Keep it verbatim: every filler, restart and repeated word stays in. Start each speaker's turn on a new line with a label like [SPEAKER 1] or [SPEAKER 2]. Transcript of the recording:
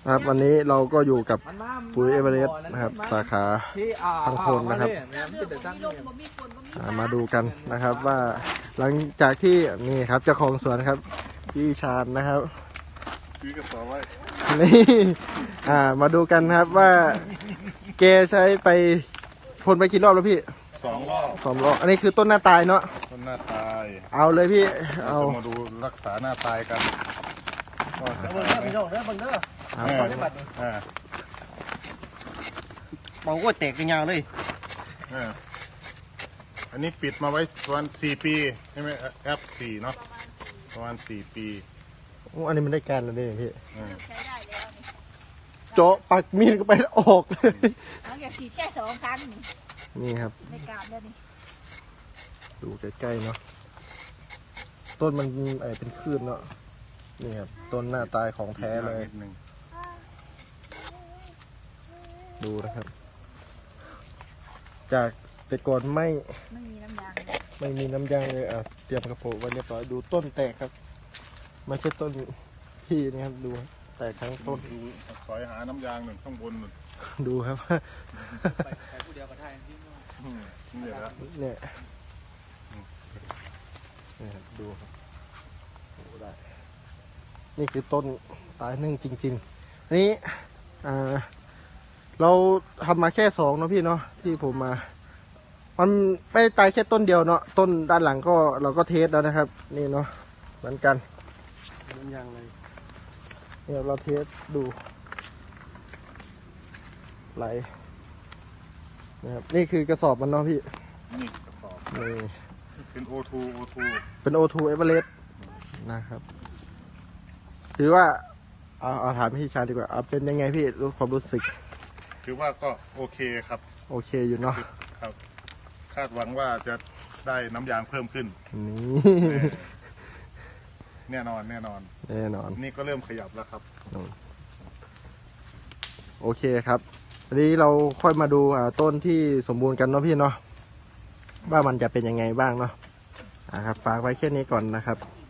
[SPEAKER 1] ครับวันนี้เราก็อยู่กับปุ๋ยเอเวอเรสต์นะครับสาขาพังโคนนะครับมาดูกันนะครับว่าหลังจากที่นี่ครับเจ้าของสวนครับพี่ชาญนะครับพี่ก็สอนไว้นี่อ่ามาดูกันครับว่าแกใช้ไปพ่นไปกี่รอบแล้วพี่
[SPEAKER 2] สองรอบ
[SPEAKER 1] สองรอบอันนี้คือต้นหน้าตายเนาะ
[SPEAKER 2] ต้นหน้าตาย
[SPEAKER 1] เอาเลยพี่เอา
[SPEAKER 2] มาดูรักษาหน้าตายกัน
[SPEAKER 3] เบิ่งเด้อพี่น้องเด้อเบิ่งเด้อเอาได้บัดนี้มองว่าแตกเป็นยาวเลย
[SPEAKER 2] อันนี้ปิดมาไว้ประมาณสี่ปีใช่ไหมแอปสี่เนาะประมาณสี่ปี
[SPEAKER 1] โอ้อันนี้มันได้การแล้วนี่พี่
[SPEAKER 4] ใช้ได้แล้วนี่
[SPEAKER 1] โจ๊ะปักมีดก็ไปออกเลย
[SPEAKER 4] หลังจากฉีดแค่สองครั้ง
[SPEAKER 1] นี่ครับ
[SPEAKER 4] ได้การแล้วนี่
[SPEAKER 1] ดูใกล้ๆเนาะต้นมันเป็นคลื่นเนาะนี่ครับต้นหน้าตายของแท้เลยดูนะครับจากแต่ก่อนไม่
[SPEAKER 4] ไม่มีน้ำยาง
[SPEAKER 1] ไม่มีน้ำยางเลยอ่ะเตรียมกระโปรงไว้เรียบร้อยดูต้นแตกครับไม่ใช่ต้นพี่นะครับดูแตกทั้งต้น
[SPEAKER 2] ดูสอยหาน้ำยางหนึ่งข้างบนหนึ่ง
[SPEAKER 1] ดูครับ
[SPEAKER 3] ไปผู้เดียวกับไทย
[SPEAKER 2] นี่แหละ
[SPEAKER 1] เนี่ยนี่ครับดูครับดูได้นี่คือต้นตายนึ่งจริงๆอันนี้อ่าเราทำมาแค่สองเนาะพี่เนาะที่ผมมามันไม่ตายแค่ต้นเดียวเนาะต้นด้านหลังก็เราก็เทสแล้วนะครับนี่เนาะเหมือนกัน
[SPEAKER 3] น้ำยางเลย
[SPEAKER 1] เนี่ยเราเทสดูไหลนะครับนี่คือกระสอบมันเนาะพี่
[SPEAKER 2] นี่กระสอบ
[SPEAKER 1] นี่
[SPEAKER 2] เป็น โอ ทู โอ ทู
[SPEAKER 1] เป็น โอ ทู Everest นะครับถือว่าเอาเอาถามพี่ชาดีกว่าเอาเป็นยังไงพี่รู้ความรู้สึก
[SPEAKER 2] ถือว่าก็โอเคครับ
[SPEAKER 1] โอเคอยู่เนาะ
[SPEAKER 2] ครับคาดหวังว่าจะได้น้ำยางเพิ่มขึ้น
[SPEAKER 1] นี่
[SPEAKER 2] แน่นอนแน่นอน
[SPEAKER 1] แน่นอน
[SPEAKER 2] นี่ก็เริ่มขยับแล้วครับ
[SPEAKER 1] โอเคครับวันนี้เราค่อยมาดูต้นที่สมบูรณ์กันเนาะพี่เนาะว่ามันจะเป็นยังไงบ้างเนาะอ่าครับฝากไว้แค่นี้ก่อนนะครับ